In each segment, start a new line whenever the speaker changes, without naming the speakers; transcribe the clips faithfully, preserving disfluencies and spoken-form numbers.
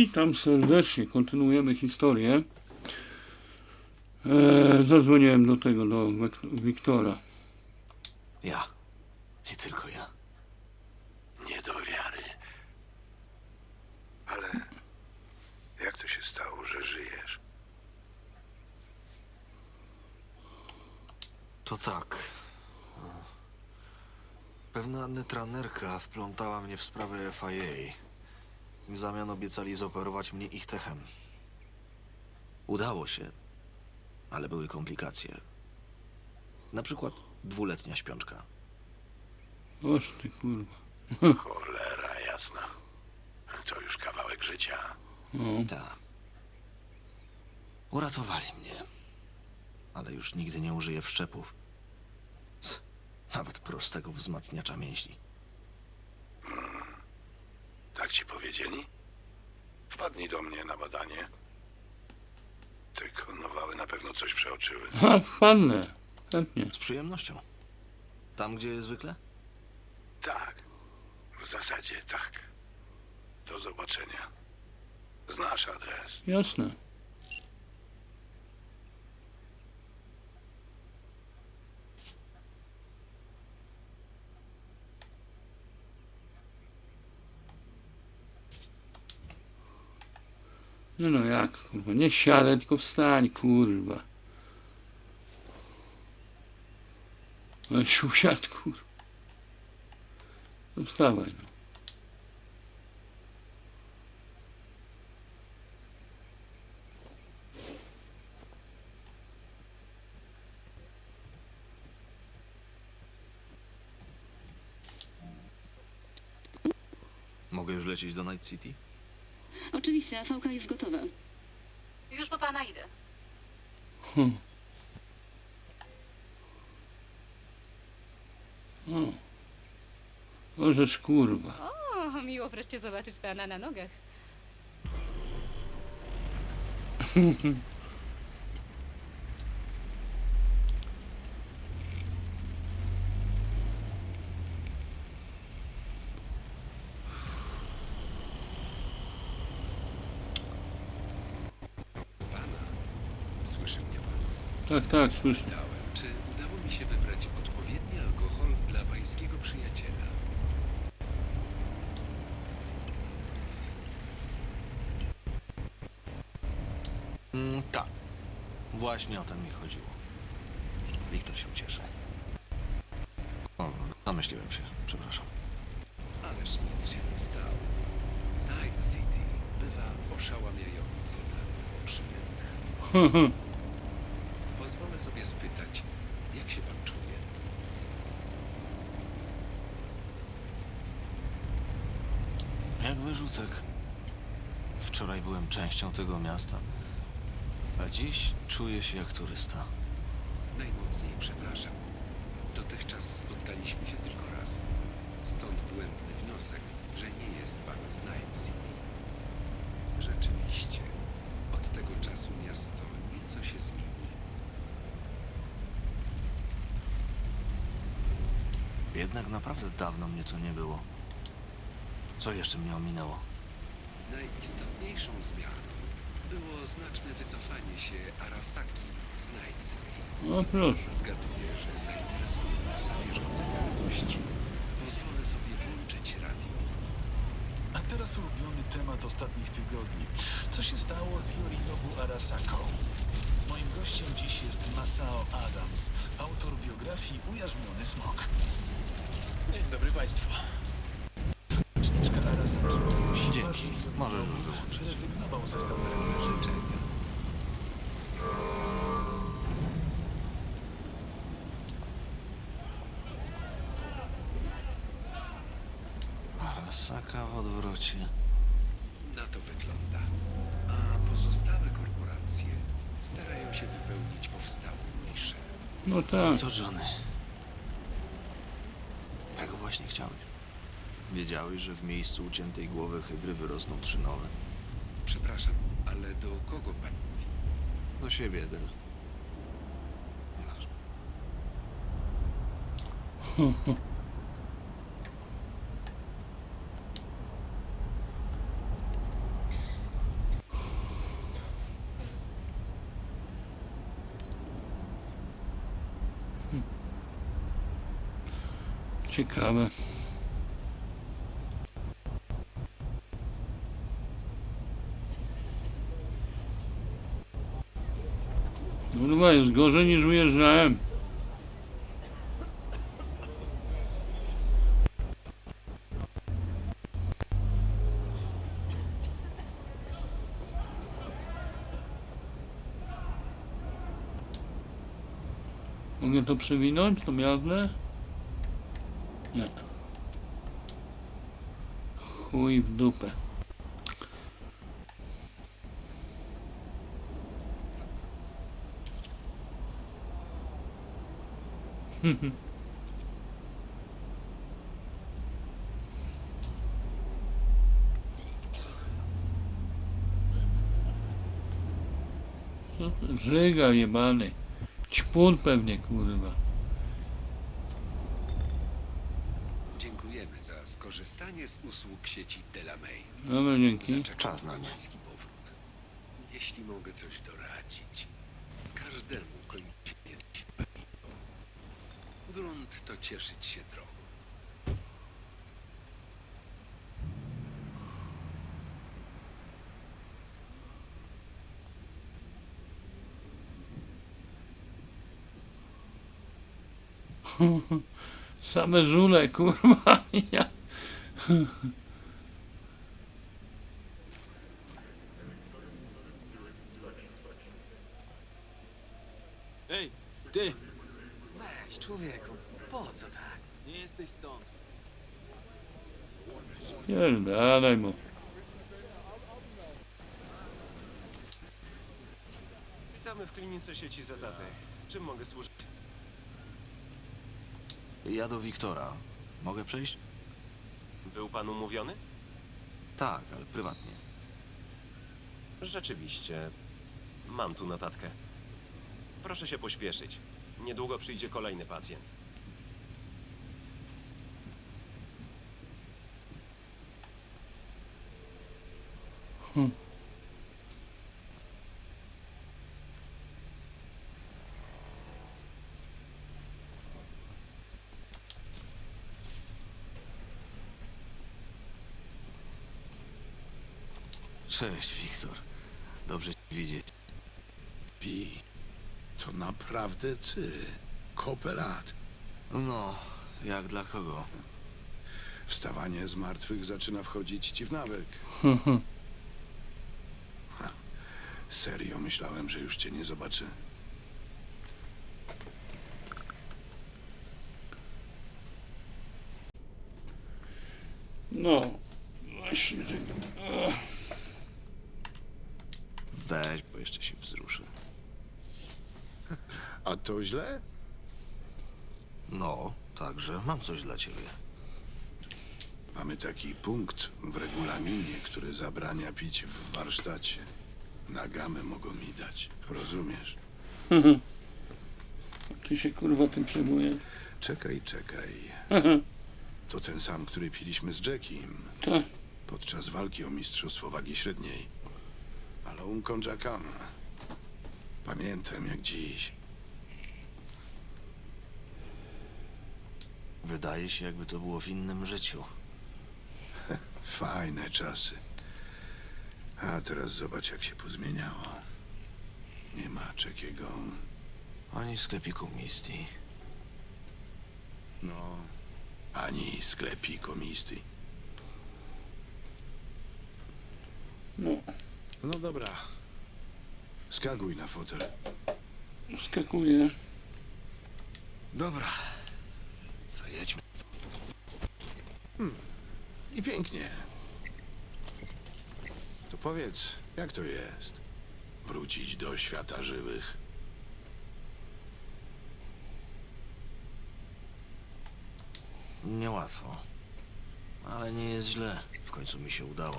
Witam serdecznie, kontynuujemy historię. Eee, zadzwoniłem do tego, do Wek- Wiktora.
Ja. I tylko ja.
Nie do wiary. Ale jak to się stało, że żyjesz?
To tak. Pewna netranerka wplątała mnie w sprawę F I A. W zamian obiecali zoperować mnie ich techem. Udało się, ale były komplikacje. Na przykład dwuletnia śpiączka.
Oż ty kurwa.
Cholera jasna. To już kawałek życia.
No.
Tak. Uratowali mnie. Ale już nigdy nie użyję wszczepów. Nawet prostego wzmacniacza mięśni.
Tak ci powiedzieli? Wpadnij do mnie na badanie. Te konowały na pewno coś przeoczyły.
Ha, wpadnę. Chętnie.
Z przyjemnością. Tam, gdzie zwykle?
Tak. W zasadzie tak. Do zobaczenia. Znasz adres.
Jasne. No no jak, kurwa, nie siadaj, tylko wstań, kurwa. No się usiadł, kurwa. No wstawaj, no.
Mogę już lecieć do Night City?
Oczywiście, A V K jest gotowa.
Już po pana idę.
Hmm. O. O, rzecz kurwa.
O, miło wreszcie zobaczyć pana na nogach.
Słyszy mnie pan?
Tak, tak, słyszę.
Pytałem, czy udało mi się wybrać odpowiedni alkohol dla pańskiego przyjaciela?
Mm, tak. Właśnie o ten mi chodziło. Wiktor się ucieszy. O, zamyśliłem się. Przepraszam.
Ależ nic się nie stało. Night City bywa oszałamiające dla mnie przyjemnych. Pozwolę sobie spytać, jak się pan czuje?
Jak wyrzucek. Wczoraj byłem częścią tego miasta, a dziś czuję się jak turysta.
Najmocniej przepraszam. Dotychczas spotkaliśmy się tylko raz. Stąd błędny wniosek, że nie jest pan z Night City. Rzeczywiście, od tego czasu miasto nieco się zmieni.
Jednak naprawdę dawno mnie tu nie było. Co jeszcze mnie ominęło?
Najistotniejszą zmianą było znaczne wycofanie się Arasaki z Night City.
No proszę.
Zgaduję, że zainteresuje mnie na bieżące wiadomości. Pozwolę sobie włączyć radio.
A teraz ulubiony temat ostatnich tygodni. Co się stało z Yorinobu Arasaką? Moim gościem dziś jest Masao Adams, autor biografii Ujarzmiony Smok. Dzień dobry Państwu. Rzeczniczka Arasaki poprosiła,
Dzięki.
żeby
Możesz już
Yorinobu
wyłączyć.
zrezygnował ze spełniania życzenia.
Arasaka w odwrocie.
Na to wygląda. A pozostałe korporacje starają się wypełnić powstałe nisze.
No tak.
Co, Johnny? Tego właśnie chciałeś. Wiedziałeś, że w miejscu uciętej głowy hydry wyrosną trzy nowe?
Przepraszam, ale do kogo pan mówi?
Do siebie jeden. Nieważne.
Ciekawe. Kurwa, jest gorzej niż ujeżdżałem. Mogę to przewinąć, to miazdę? Nie. Chuj w dupę. Co to? Żyga jebany. Ćpun pewnie, kurwa.
Dziękujemy za skorzystanie z usług sieci Delamay.
Dobra, dzięki.
Zaczekam
Czas na
na
mnie.
pański powrót. Jeśli mogę coś doradzić, każdemu kończy się kiedyś paliwo. Grunt to cieszyć się drogą.
Same żule, kurwa. Ja.
Ej, ty! Weź, człowieku, po co tak? Nie jesteś stąd.
Pierdalaj mu.
Witamy w klinice sieci Zetatech. Czym mogę służyć?
Ja do Wiktora. Mogę przejść?
Był pan umówiony?
Tak, ale prywatnie.
Rzeczywiście. Mam tu notatkę. Proszę się pośpieszyć. Niedługo przyjdzie kolejny pacjent.
Hm.
Cześć, Wiktor. Dobrze cię widzieć.
Pi, to naprawdę ty. Kopę lat.
No, jak dla kogo?
Wstawanie z martwych zaczyna wchodzić ci w nawyk. Ha, serio myślałem, że już cię nie zobaczę.
No. Właśnie. Ach.
Weź, bo jeszcze się wzruszę.
A to źle?
No, także mam coś dla ciebie.
Mamy taki punkt w regulaminie, który zabrania pić w warsztacie. Na gamę mogą mi dać. Rozumiesz?
Ty się kurwa tym przejmuje.
Czekaj, czekaj. To ten sam, który piliśmy z Jackiem
Tak.
podczas walki o mistrzostwo wagi średniej. Ale un Konjakam. Pamiętam jak dziś.
Wydaje się, jakby to było w innym życiu.
Fajne czasy. A teraz zobacz, jak się pozmieniało. Nie ma czekiego.
Ani sklepiku Misty.
No, ani sklepiku Misty.
No.
No dobra. Skakuj na fotel.
Skakuje.
Dobra. To jedźmy.
I pięknie. To powiedz, jak to jest? Wrócić do świata żywych?
Niełatwo. Ale nie jest źle. W końcu mi się udało.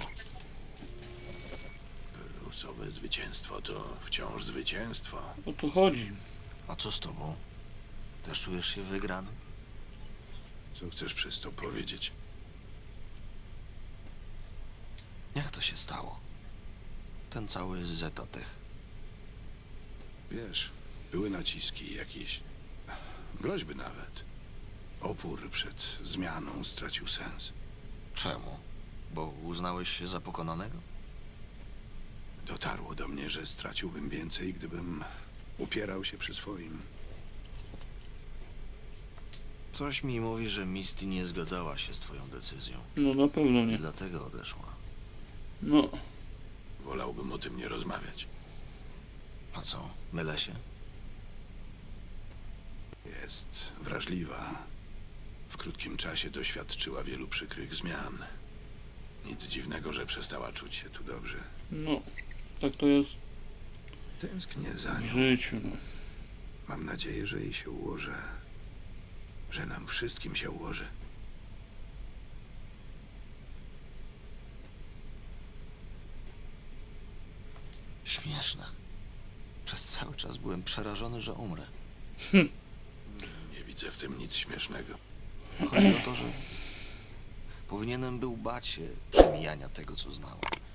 Brusowe zwycięstwo to wciąż zwycięstwo.
O to chodzi.
A co z tobą? Też czujesz się wygrany?
Co chcesz przez to powiedzieć?
Jak to się stało? Ten cały Zetatech.
Wiesz, były naciski jakieś. Groźby nawet. Opór przed zmianą stracił sens.
Czemu? Bo uznałeś się za pokonanego?
Dotarło do mnie, że straciłbym więcej, gdybym upierał się przy swoim.
Coś mi mówi, że Misty nie zgadzała się z twoją decyzją
No na pewno
i
nie.
dlatego odeszła.
No,
Wolałbym o tym nie rozmawiać.
A co, mylę się?
Jest wrażliwa. W krótkim czasie doświadczyła wielu przykrych zmian. Nic dziwnego, że przestała czuć się tu dobrze.
no. Tak to jest
Tęsknię za
w
nią.
życiu, no.
Mam nadzieję, że jej się ułoży. Że nam wszystkim się ułoży.
Śmieszne. Przez cały czas byłem przerażony, że umrę.
Nie widzę w tym nic śmiesznego.
Chodzi o to, że powinienem był bać się przemijania tego, co znałem.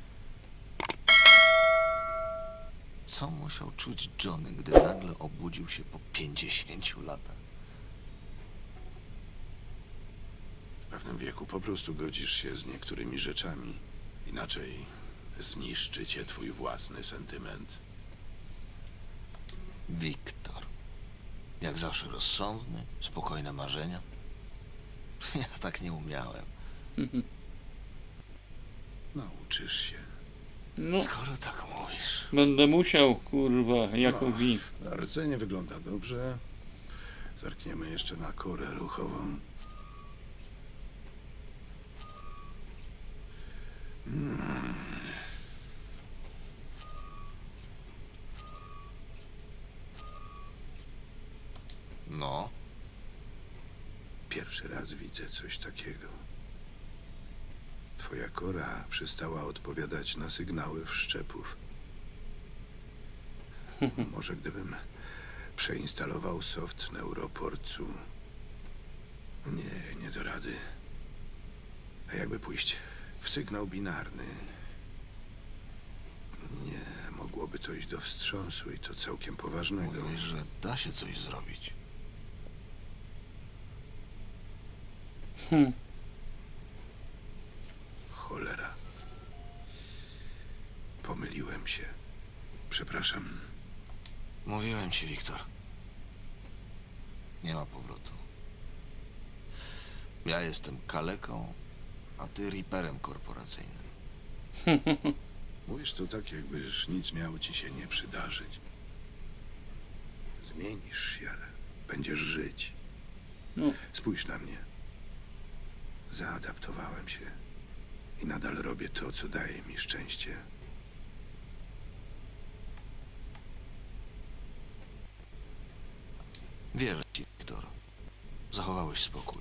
Co musiał czuć Johnny, gdy nagle obudził się po pięćdziesięciu latach?
W pewnym wieku po prostu godzisz się z niektórymi rzeczami. Inaczej zniszczy cię twój własny sentyment.
Wiktor. Jak zawsze rozsądny, spokojne marzenia. Ja tak nie umiałem.
Nauczysz się.
No,
Skoro tak mówisz.
będę musiał, kurwa, jako
No.
wi.
Rdzenie wygląda dobrze. Zerkniemy jeszcze na korę ruchową.
No,
Pierwszy raz widzę coś takiego. Twoja kora przestała odpowiadać na sygnały wszczepów. Może gdybym przeinstalował soft Neuroporcu. Nie, nie do rady. A jakby pójść w sygnał binarny? Nie, mogłoby to iść do wstrząsu i to całkiem poważnego.
mówiłeś, że da się coś zrobić.
Hm.
Cholera. Pomyliłem się. Przepraszam.
Mówiłem ci, Wiktor. Nie ma powrotu. Ja jestem kaleką, a ty riperem korporacyjnym.
Mówisz to tak, jakbyś nic miało ci się nie przydarzyć. Zmienisz się, ale będziesz żyć.
No,
Spójrz na mnie. Zaadaptowałem się i nadal robię to, co daje mi szczęście.
Wierzę ci, Wiktor. Zachowałeś spokój.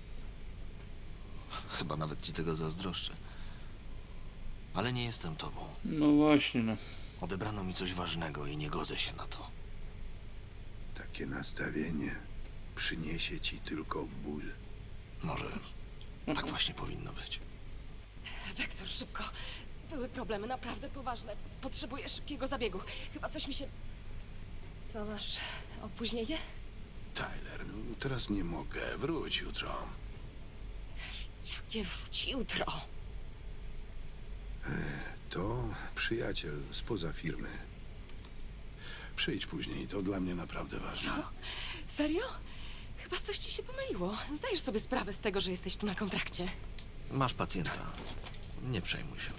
Chyba nawet ci tego zazdroszczę. Ale nie jestem tobą.
no właśnie, no.
Odebrano mi coś ważnego i nie godzę się na to.
Takie nastawienie przyniesie ci tylko ból.
Może tak właśnie powinno być.
Wektor, szybko. Były problemy, naprawdę poważne. Potrzebuję szybkiego zabiegu. Chyba coś mi się... Co masz? Opóźnienie?
Tyler, no teraz nie mogę. Wróć jutro.
Jakie wróci jutro?
To przyjaciel spoza firmy. Przyjdź później, to dla mnie naprawdę ważne.
Co? Serio? Chyba coś ci się pomyliło. Zdajesz sobie sprawę z tego, że jesteś tu na kontrakcie.
Masz pacjenta. Nie przejmuj się.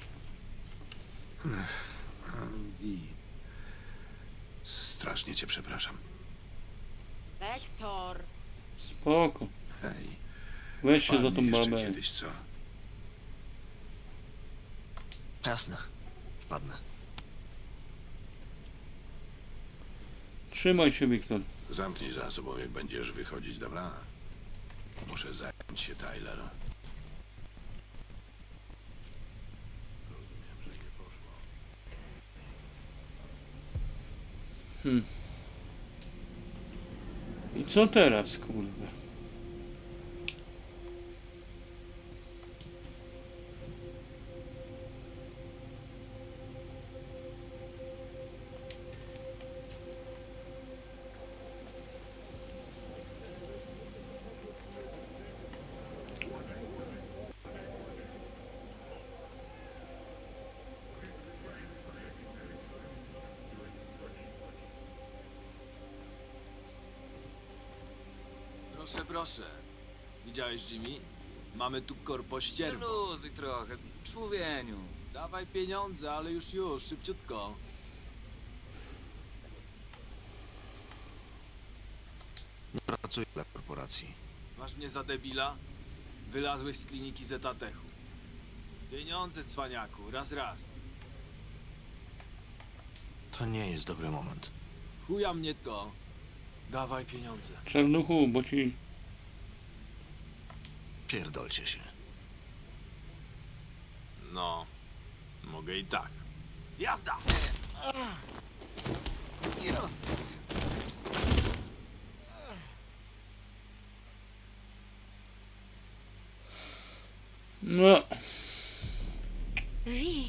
A, Wi. Strasznie cię przepraszam.
Wektor!
Spoko.
Hej,
Weź się za tą
wpadnij jeszcze
babę.
kiedyś, co?
Jasne. Wpadnę.
Trzymaj się, Wiktor.
Zamknij za sobą, jak będziesz wychodzić, dobra? Muszę zająć się Tyler.
Hmm. I co teraz, kurwa?
Proszę, proszę. Widziałeś, Jimmy? Mamy tu korpo ścierwo.
Luzuj trochę, człowieniu.
Dawaj pieniądze, ale już, już, szybciutko.
Nie pracuję dla korporacji.
Masz mnie za debila? Wylazłeś z kliniki Zetatechu. Pieniądze, cwaniaku, raz, raz.
To nie jest dobry moment.
Chuja mnie to. Dawaj pieniądze.
Czarnuchu, bo ci...
Pierdolcie się.
No, mogę i tak. Jazda!
No,
Wi!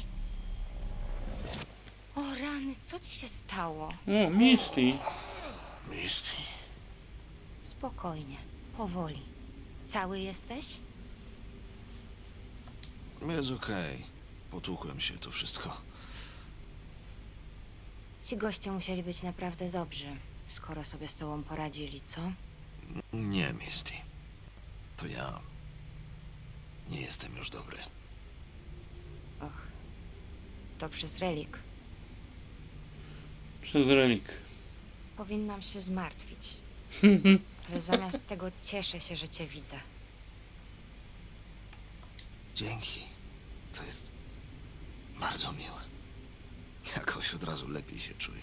O rany, co ci się stało?
o, Misty.
Misty.
Spokojnie, powoli. Cały jesteś?
Jest okej. Potłukłem się, to wszystko.
Ci goście musieli być naprawdę dobrzy, skoro sobie z tobą poradzili, co?
Nie, Misty. To ja... nie jestem już dobry.
Och, to przez relik.
Przez relik.
Powinnam się zmartwić, ale zamiast tego cieszę się, że cię widzę.
Dzięki. To jest bardzo miłe. Jakoś od razu lepiej się czuję.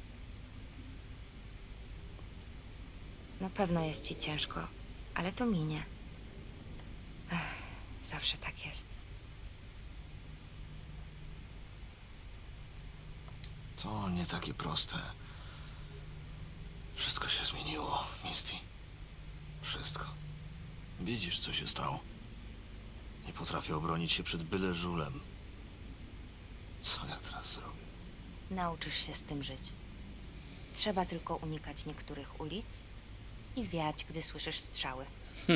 Na pewno jest ci ciężko, ale to minie. Ech, zawsze tak jest.
To nie takie proste. Wszystko się zmieniło, Misty. Wszystko. Widzisz, co się stało. Nie potrafię obronić się przed byle żulem. Co ja teraz zrobię?
Nauczysz się z tym żyć. Trzeba tylko unikać niektórych ulic i wiać, gdy słyszysz strzały.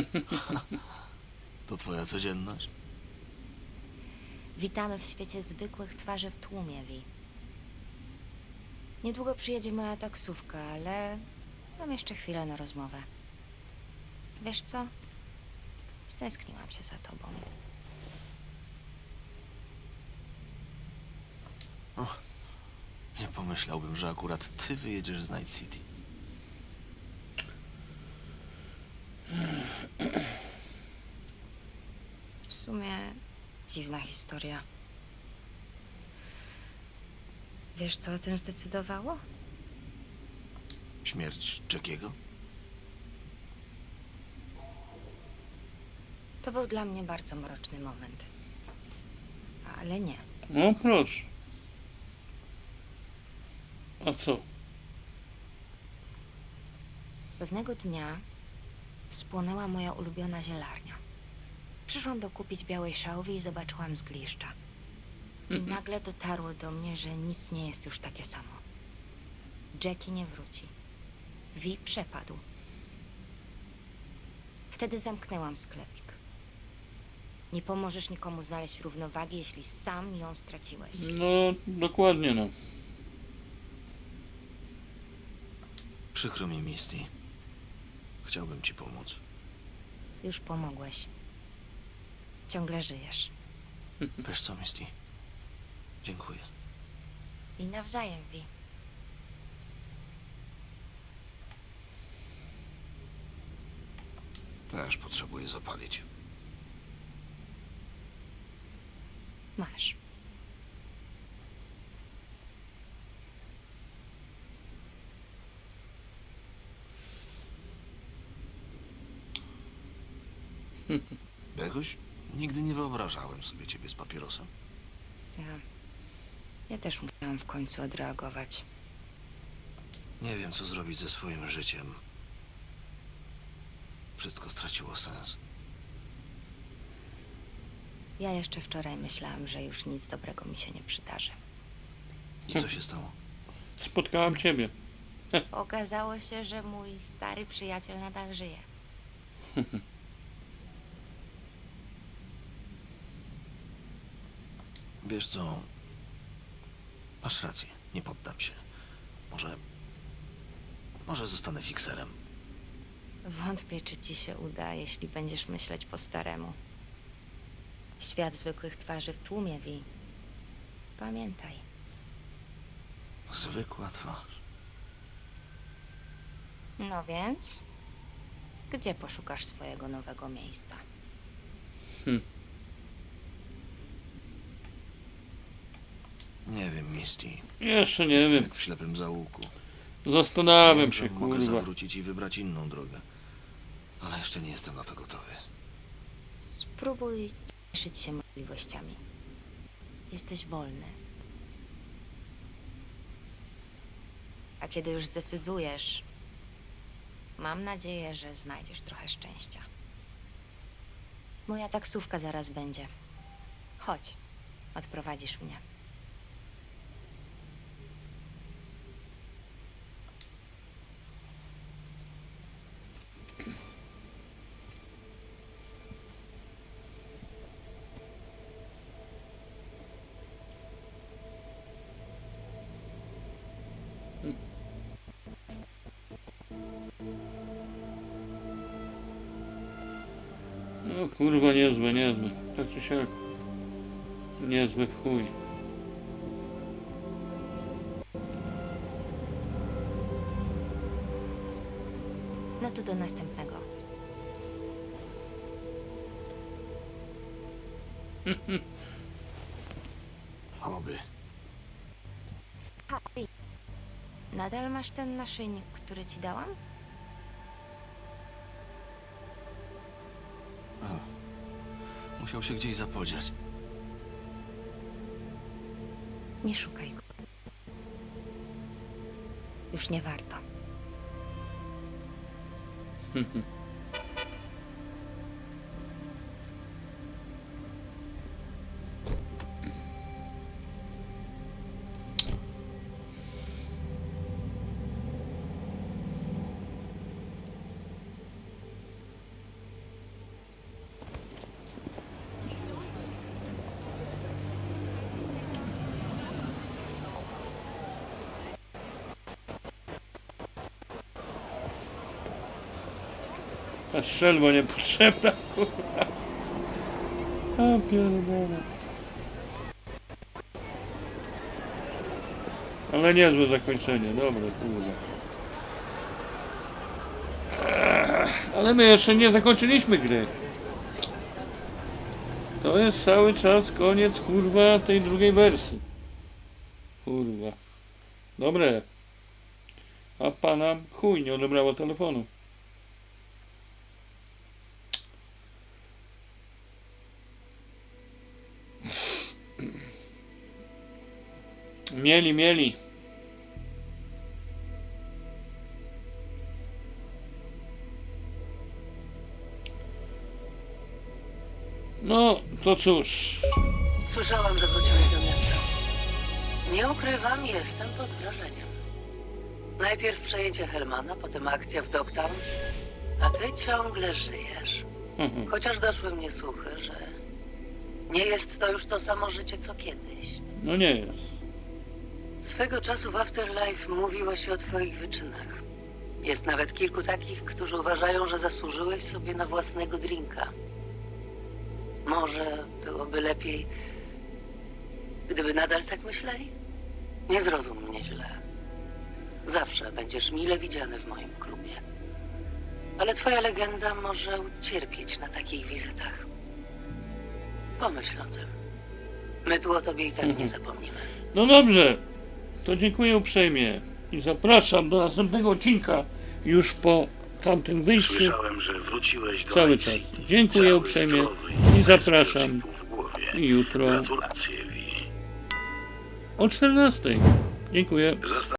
To twoja codzienność?
Witamy w świecie zwykłych twarzy w tłumie, Wi. Niedługo przyjedzie moja taksówka, ale mam jeszcze chwilę na rozmowę. Wiesz co? Stęskniłam się za tobą.
O, nie pomyślałbym, że akurat ty wyjedziesz z Night City.
W sumie dziwna historia. Wiesz, co o tym zdecydowało?
Śmierć Jackiego?
To był dla mnie bardzo mroczny moment. Ale nie.
No proszę. A co?
Pewnego dnia spłonęła moja ulubiona zielarnia. Przyszłam dokupić białej szałwi i zobaczyłam zgliszcza. I nagle dotarło do mnie, że nic nie jest już takie samo. Jackie nie wróci. Wi przepadł. Wtedy zamknęłam sklepik. Nie pomożesz nikomu znaleźć równowagi, jeśli sam ją straciłeś.
No, dokładnie no.
Przykro mi, Misty. Chciałbym ci pomóc.
Już pomogłeś. Ciągle żyjesz.
Wiesz co, Misty? Dziękuję.
I nawzajem, Wi.
Też potrzebuję zapalić.
Masz.
Jakoś nigdy nie wyobrażałem sobie ciebie z papierosem.
Ja... Ja też musiałam w końcu odreagować.
Nie wiem, co zrobić ze swoim życiem. Wszystko straciło sens.
Ja jeszcze wczoraj myślałam, że już nic dobrego mi się nie przydarzy.
I co się stało?
Spotkałam ciebie.
Okazało się, że mój stary przyjaciel nadal żyje.
Wiesz co? Masz rację, nie poddam się. Może... Może zostanę fikserem.
Wątpię, czy ci się uda, jeśli będziesz myśleć po staremu. Świat zwykłych twarzy w tłumie, Vi. Pamiętaj.
Zwykła twarz.
No więc, gdzie poszukasz swojego nowego miejsca?
Hm.
Nie wiem, Misty.
Jeszcze nie
Jestem
wiem.
jak w ślepym zaułku.
Zastanawiam
Wiem,
się,
że mogę
kurwa.
zawrócić i wybrać inną drogę. Ale jeszcze nie jestem na to gotowy.
Spróbuj cieszyć się możliwościami. Jesteś wolny. A kiedy już zdecydujesz, mam nadzieję, że znajdziesz trochę szczęścia. Moja taksówka zaraz będzie. Chodź, odprowadzisz mnie.
No kurwa, niezłe, niezłe. Tak czy siak. Niezłe w chuj.
No to do następnego.
Oby.
Ej, nadal masz ten naszyjnik, który ci dałam?
O, musiał się gdzieś zapodziać.
Nie szukaj go. Już nie warto.
Ta strzelba niepotrzebna, kurwa. A pierdolę. Ale niezłe zakończenie, dobre, kurwa. Ech, ale my jeszcze nie zakończyliśmy gry. To jest cały czas koniec, kurwa, tej drugiej wersji. Kurwa. Dobre. A pana chuj nie odebrała telefonu. Mieli, mieli. No, to cóż.
Słyszałam, że wróciłeś do miasta. Nie ukrywam, jestem pod wrażeniem. Najpierw przejęcie Helmana, potem akcja w Dogtown, a ty ciągle żyjesz. Chociaż doszły mnie słuchy, że nie jest to już to samo życie, co kiedyś.
No nie jest.
Swego czasu w Afterlife mówiło się o twoich wyczynach. Jest nawet kilku takich, którzy uważają, że zasłużyłeś sobie na własnego drinka. Może byłoby lepiej, gdyby nadal tak myśleli? Nie zrozum mnie źle. Zawsze będziesz mile widziany w moim klubie. Ale twoja legenda może ucierpieć na takich wizytach. Pomyśl o tym. My tu o tobie i tak
Mhm.
nie zapomnimy.
No dobrze. To dziękuję uprzejmie. I zapraszam do następnego odcinka już po tamtym wyjściu.
Słyszałem, że wróciłeś do
Cały
Night
czas.
City.
Dziękuję
Cały
uprzejmie
zdrowy
i
bez
zapraszam
przesypów w głowie.
jutro
Gratulacje, Vi.
o czternastej. Dziękuję.
Zosta-